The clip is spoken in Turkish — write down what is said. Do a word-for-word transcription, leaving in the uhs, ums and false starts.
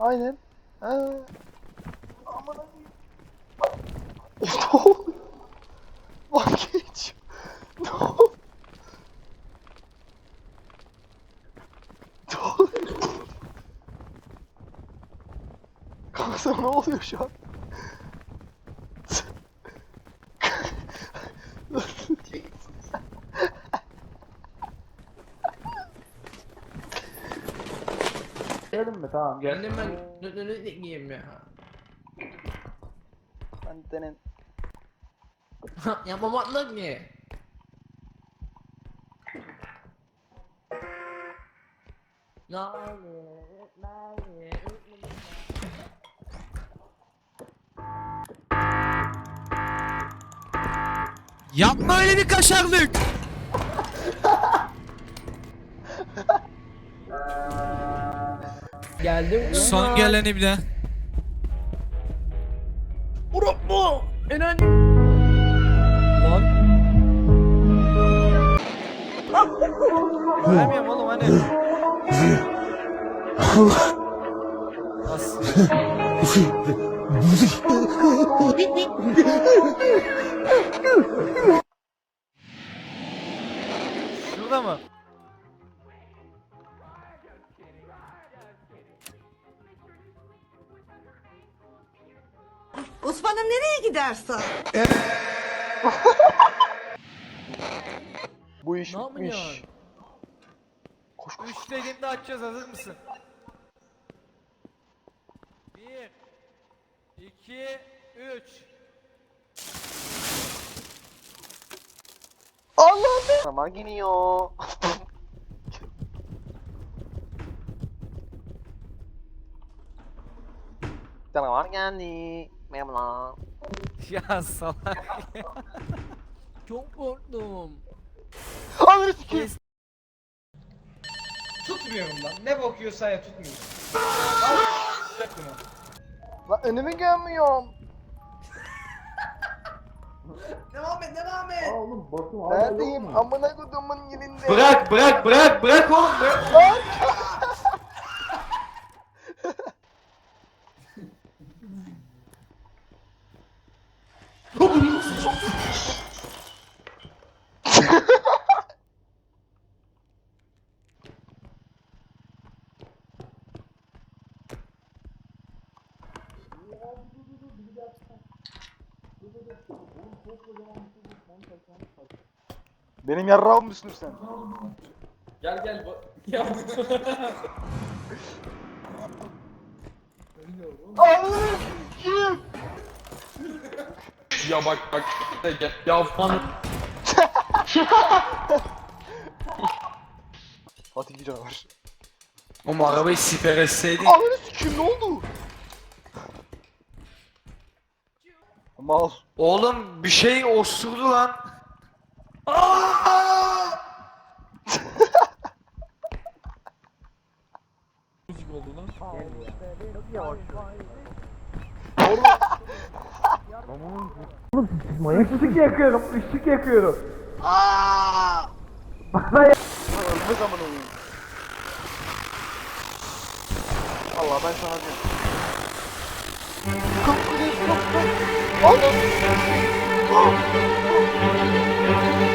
Aynen. Ha. Aman abi. Ne oluyor? Lan geç. Ne oluyor? Ne oluyor? Kanka sana ne oluyor şu an? Gelin mi? Tamam gel. Geldim ben ne ne ne giyeyim ya. Ben denen. Ya babatlık ne? Yapma öyle bir kaşarlık. Geldim. Son geleni bir de. Vurup mu? Enayi. Lan. Göremiyorum oğlum hani. Nasıl? Şurada mı? Osman'ım nereye gidersin? Bu iş Ne bitmiş. yapıyorsun? Koş koş. Üç dediğimde açacağız, hazır mısın? Bir, iki, üç. Allah'ım. Zaman geliyor. Canavar geldi. Merhabalar. Ya salak. Çok korktum. Ananı sikeyim. Tutmuyorum lan. Ne bakıyorsa ya tutmuyorum. Lan önümü görmüyorum. Devam et, devam et. Neredeyim? Amına kodumun yerinde. Bırak, bırak, bırak, bırak oğlum. Bırak. Lan! Benim yarrağım mısın sen? Gel gel. Ya. Ananı sikeyim. Ya bak bak. Gel. Ya falan. Fatih bir canavar. Oğlum arabayı siper etseydin. Ananı sikeyim, ne oldu? Mal. Oğlum bir şey osurdu lan. Işık yakıyorum, ışık yakıyorum. Aaa! Bana ya. Ölme zaman oyun. Allah ben sana diyorum. Kalk kalk kalk kalk. Anam.